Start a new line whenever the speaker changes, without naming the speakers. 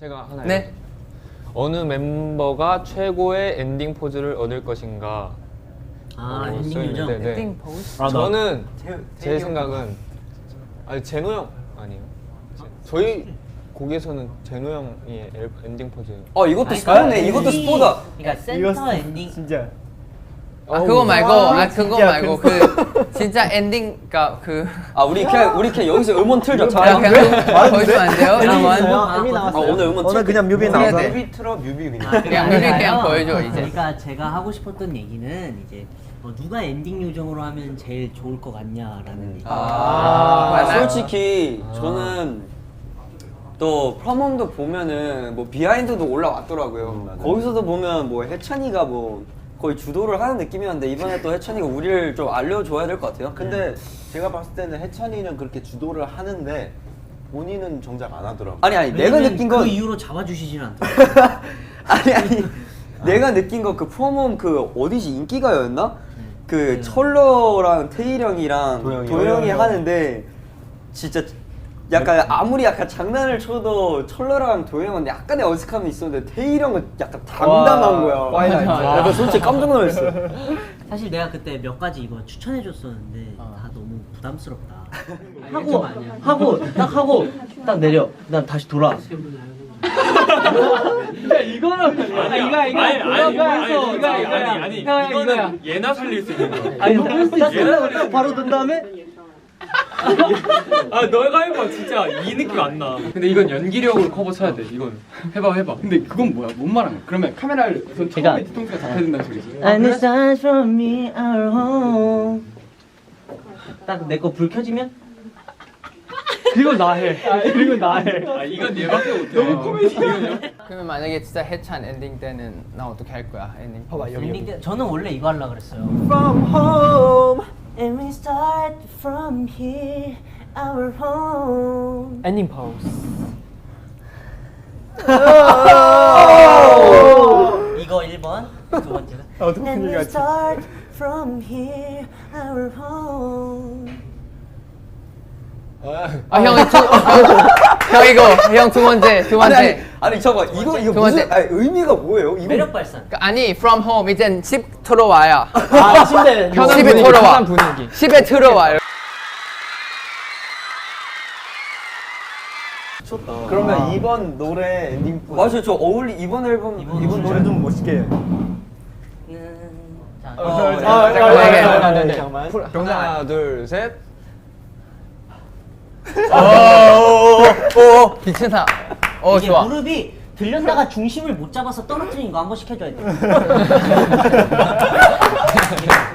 제가 하나.
네.
어느 멤버가 최고의 엔딩 포즈를 얻을 것인가?
엔딩 요정.
네.
엔딩 포즈?
저는 제 생각은 제노 형 아니에요? 저희 곡에서는 제노 형이 엔딩 포즈.
이것도 스포네. 이것도 스포다.
그러니까 센터 엔딩.
진짜.
그거 말고 그 진짜 엔딩 그
우리 그냥 여기서 음원 틀자.
그냥 보여주면 안 돼요?
이미 나왔어요.
오늘 음원
오늘 그냥 뮤비 나와서.
뮤비
틀어 뮤비 그냥.
그냥 뮤비 그냥 보여줘 이제.
그러니까 제가 하고 싶었던 얘기는 이제 누가 엔딩 요정으로 하면 제일 좋을 것 같냐라는 얘기.
솔직히 저는 또 프롬홈도 보면은 뭐 비하인드도 올라왔더라고요. 거기서도 보면 뭐 해찬이가 뭐 거의 주도를 하는 느낌이었는데 이번에 또 해찬이가 우리를 좀 알려줘야 될 것 같아요.
근데 제가 봤을 때는 해찬이는 그렇게 주도를 하는데 본인은 정작 안 하더라고.
아니 내가 느낀 건
그 이후로 잡아주시지는 않더라고요.
아니 내가 느낀 거 그 프롬홈 그 어디지 인기가요였나? 그 철러랑 태일 형이랑 도영이 하는데 진짜 약간 아무리 약간 장난을 쳐도 철러랑 도영은 약간의 어색함이 있었는데 태일 형은 약간 당당한 거야. 약간 솔직히 깜짝 놀랐어.
사실 내가 그때 몇 가지 이거 추천해줬었는데 다 너무 부담스럽다. 하고 딱 내려. 난 다시 돌아.
이거는 예나 살릴 수 있는 거야.
아니 바로 든 다음에
너가 해봐. 진짜 이 느낌 안 나.
근데 이건 연기력으로 커버 쳐야 돼. 이건 해봐. 근데 그건 뭐야? 뭔 말한 거야? 그러면 카메라를 우선 처음에 뒤통수가 잡혀야 된다는 소리지.
And it's time from me our home. 딱 내 거 불 켜지면
그리고 나 해.
이건 얘밖에 못해. 너무 코미디야.
그러면 만약에 진짜 해찬 엔딩 때는 나 어떻게 할 거야? 엔딩.
봐봐
엔딩 때 저는 원래 이거 하려고 그랬어요.
From home.
And we start from here our home.
엔딩 포즈.
이거 1번, 두 번째가 And we start from here our home.
형 두 번째.
아니 잠깐 이거
두
무슨
번째.
의미가 뭐예요? 이거
매력 발산.
아니 from home 이젠 집 들어와야.
침대.
집에 들어와. 집에 들어와요.
그러면 이번 노래 엔딩 포즈.
맞아요. 저 이번 앨범
이번 노래 좀 멋있게 해.
잠깐만. 하나, 둘, 셋.
미친다.
이게
좋아.
무릎이 들렸다가 중심을 못 잡아서 떨어뜨린 거 한 번씩 해줘야 돼.